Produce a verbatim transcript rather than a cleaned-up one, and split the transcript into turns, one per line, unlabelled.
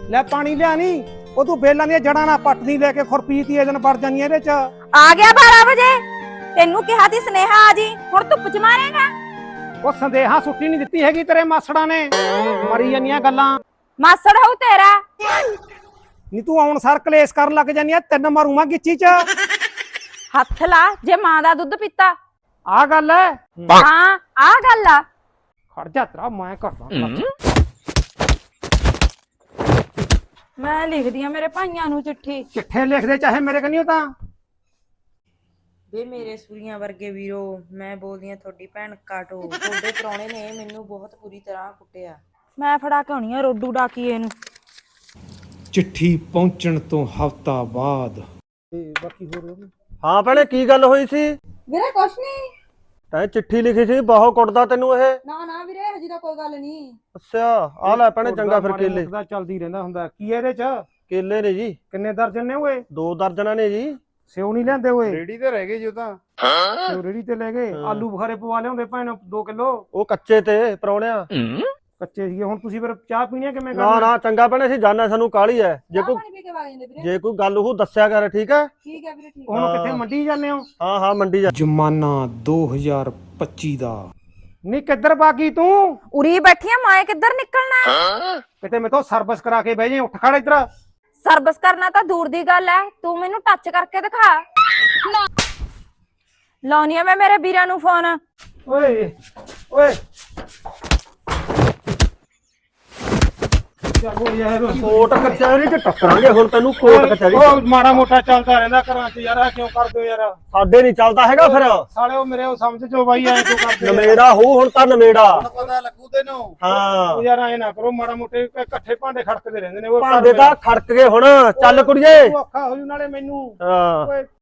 ਲੈ ਪਾਣੀ ਲਿਆ ਨਹੀਂ ਉਹ ਤੂੰ ਬੇਲਾਂ ਦੀਆਂ ਜੜਾਂ ਨਾਲ ਪੱਟਦੀ ਲੈ ਕੇ ਖੁਰਪੀ ਤੀ ਇਹਦਨ ਵੜ ਜਾਨੀ ਇਹਦੇ ਚ।
ਆ ਗਿਆ ਬਾਰਾਂ ਵਜੇ ਤੈਨੂੰ ਕਿਹਾ ਸੀ ਸਨੇਹਾ ਆ ਜੀ ਹੁਣ ਧੁੱਪ ਚ ਮਾਰੇਗਾ।
ਉਹ ਸੰਦੇਹਾ ਸੁੱਟੀ ਨਹੀਂ ਦਿੱਤੀ ਹੈਗੀ ਤੇਰੇ ਮਾਸੜਾਂ ਨੇ ਮਰੀ ਜਾਂਦੀਆਂ ਗੱਲਾਂ।
ਮਾਸੜ ਹੋਊ ਤੇਰਾ।
ਨੀ ਤੂੰ ਆਉਣ ਸਰ ਕਲੇਸ਼ ਕਰਨ ਲੱਗ ਜਾਨੀ ਆ ਤਿੰਨ ਮਾਰੂਗਾ ਗਿੱਚੀ ਚ।
ਹੱਥ ਲਾ ਜੇ ਮਾਂ ਦਾ ਦੁੱਧ ਪੀਤਾ।
ਆ ਗੱਲ ਹੈ
ਹਾਂ ਆ ਗੱਲ ਆ।
ਖੜ ਜਾ ਤੇਰਾ ਮੈਂ ਕਰਦਾ
ਮੈਂ ਲਿਖਦੀ ਆ ਮੇਰੇ ਭਾਈਆਂ ਨੂੰ ਚਿੱਠੀ।
ਚਿੱਠੇ ਲਿਖਦੇ ਚਾਹੇ ਮੇਰੇ ਕਨੀਓ ਤਾਂ।
ਵੇ ਮੇਰੇ ਸੂਰੀਆਂ ਵਰਗੇ ਵੀਰੋ ਮੈਂ ਬੋਲਦੀ ਆ ਤੁਹਾਡੀ ਭੈਣ ਕਾਟੋ। ਤੁਹਾਡੇ ਪ੍ਰਾਹੁਣੇ ਨੇ ਮੈਨੂੰ ਬਹੁਤ ਬੁਰੀ ਤਰ੍ਹਾਂ ਕੁੱਟਿਆ।
ਮੈਂ ਫੜਾ ਕੇ ਆਉਣੀ ਆ ਰੋਡੂ ਡਾਕੀਏ ਨੂੰ।
ਚਿੱਠੀ ਪਹੁੰਚਣ ਤੋਂ ਹਫ਼ਤਾ ਬਾਅਦ। ਤੇ ਬਾਕੀ ਹੋਰ
ਹਾਂ ਭੈਣੇ ਕੀ ਗੱਲ ਹੋਈ ਸੀ?
ਵੀਰੇ ਕੁਛ ਨਹੀਂ।
ਤੈਂ ਚਿੱਠੀ ਲਿਖੀ ਸੀ ਬਹੁਤ ਕੁੱਟਦਾ ਤੈਨੂੰ ਇਹ।
ਨਾ ਨਾ ਵੀਰੇ ਹਜੇ ਤਾਂ ਕੋਈ ਗੱਲ ਨਹੀਂ।
ਅੱਛਾ ਆ ਲੈ ਭੈਣੇ ਚੰਗਾ ਫਿਰ ਕੇਲੇ।
ਦਾ ਚੱਲਦੀ ਰਹਿੰਦਾ ਹੁੰਦਾ ਕੀ ਇਹਦੇ ਚ?
ਕੇਲੇ ਨੇ ਜੀ
ਕਿੰਨੇ ਦਰਜਨ ਨੇ ਓਏ?
ਦੋ ਦਰਜਨਾਂ ਨੇ ਜੀ।
ਸਿਓ ਨਹੀਂ ਲੈਂਦੇ ਓਏ?
ਰੇੜੀ ਤੇ ਰਹਿ ਗਏ ਜੀ ਉਹ ਤਾਂ।
ਸਿਓ ਰੇੜੀ ਤੇ ਲੈ ਗਏ। ਆਲੂ ਬੁਖਾਰੇ ਪਵਾ ਲਿਆਉਂਦੇ ਭੈਣ ਦੋ ਕਿਲੋ।
ਉਹ ਕੱਚੇ ਤੇ ਪਰੌਣਿਆ
ਕੱਚੇ ਸੀਗੇ। ਹੁਣ ਤੁਸੀਂ ਫਿਰ ਚਾਹ ਪੀਣੀ ਆ ਕਿਵੇਂ
ਨਾ
ਕਰਨਾ?
ਨਾ ਚੰਗਾ ਭੈਣੇ ਅਸੀਂ ਜਾਣਾ ਸਾਨੂੰ ਕਾਹਲੀ ਐ। ਜੇ ਕੋਈ
ਪਾਣੀ ਪੀ ਕੇ ਵਗ ਜਾਂਦੇ ਵੀਰੇ।
ਜੇ ਕੋਈ ਗੱਲ ਉਹ ਦੱਸਿਆ ਕਰ ਠੀਕ ਹੈ।
ਠੀਕ ਹੈ ਵੀਰੇ ਠੀਕ।
ਹੁਣ ਕਿੱਥੇ ਮੰਡੀ ਜਾਂਦੇ ਹੋ?
ਹਾਂ ਹਾਂ ਮੰਡੀ ਜਾ।
ਜਮਾਨਾ ਦੋ ਹਜ਼ਾਰ ਪੱਚੀ ਦਾ। ਨੀ ਕਿੱਧਰ ਬਾਗੀ ਤੂੰ?
ਉਰੀ ਬੈਠੀਆਂ ਮੈਂ ਕਿੱਧਰ ਨਿਕਲਣਾ?
ਕਿਤੇ ਮੇਥੋਂ ਸਰਵਿਸ ਕਰਾ ਕੇ ਬਹਿ ਜੇ। ਉੱਠ ਖੜ ਇੱਧਰ।
ਸਰਵਿਸ ਕਰਨਾ ਤਾਂ ਦੂਰ ਦੀ ਗੱਲ ਐ ਤੂੰ ਮੈਨੂੰ ਟੱਚ ਕਰਕੇ ਦਿਖਾ। ਲਾਉਣੀ ਆ ਮੈਂ ਮੇਰੇ ਵੀਰਾਂ ਨੂੰ ਫੋਨ।
ਓਏ ਓਏ ਚੱਲੋ ਯਾਰ।
ਕੋਟ ਕਚਹਿਰੀ ਚ ਟੱਕਰਾਂਗੇ ਹੁਣ ਤੈਨੂੰ ਕੋਟ ਕਚਹਿਰੀ।
ਉਹ ਮਾੜਾ ਮੋਟਾ ਚੱਲਦਾ ਰਹਿੰਦਾ ਘਰਾਂ ਚ ਯਾਰ। ਕਿਉਂ ਕਰਦੇ ਹੋ ਯਾਰ?
ਸਾਡੇ ਨਹੀਂ ਚੱਲਦਾ ਹੈਗਾ ਫਿਰ।
ਸਾਲੇ ਉਹ ਮੇਰੇ ਉਹ ਸਮਝ ਚੋ ਬਾਈ ਐ ਕਿਉਂ ਕਰਦੇ?
ਨਵੇੜਾ ਹੋ ਹੁਣ ਤਾਂ ਨਵੇੜਾ।
ਪਤਾ ਲੱਗੂ ਤੈਨੂੰ।
ਹਾਂ
ਉਹ ਯਾਰ ਐ ਨਾ ਕਰੋ ਮਾੜਾ ਮੋਟੇ ਇਕੱਠੇ ਭਾਂਡੇ ਖੜਕਦੇ ਰਹਿੰਦੇ ਨੇ। ਉਹ
ਭਾਂਡੇ ਤਾਂ ਖੜਕ ਗਏ ਹੁਣ। ਚੱਲ ਕੁੜੀਏ।
ਔਖਾ ਹੋ ਜੂ ਨਾਲੇ ਮੈਨੂੰ।
ਹਾਂ
ਓਏ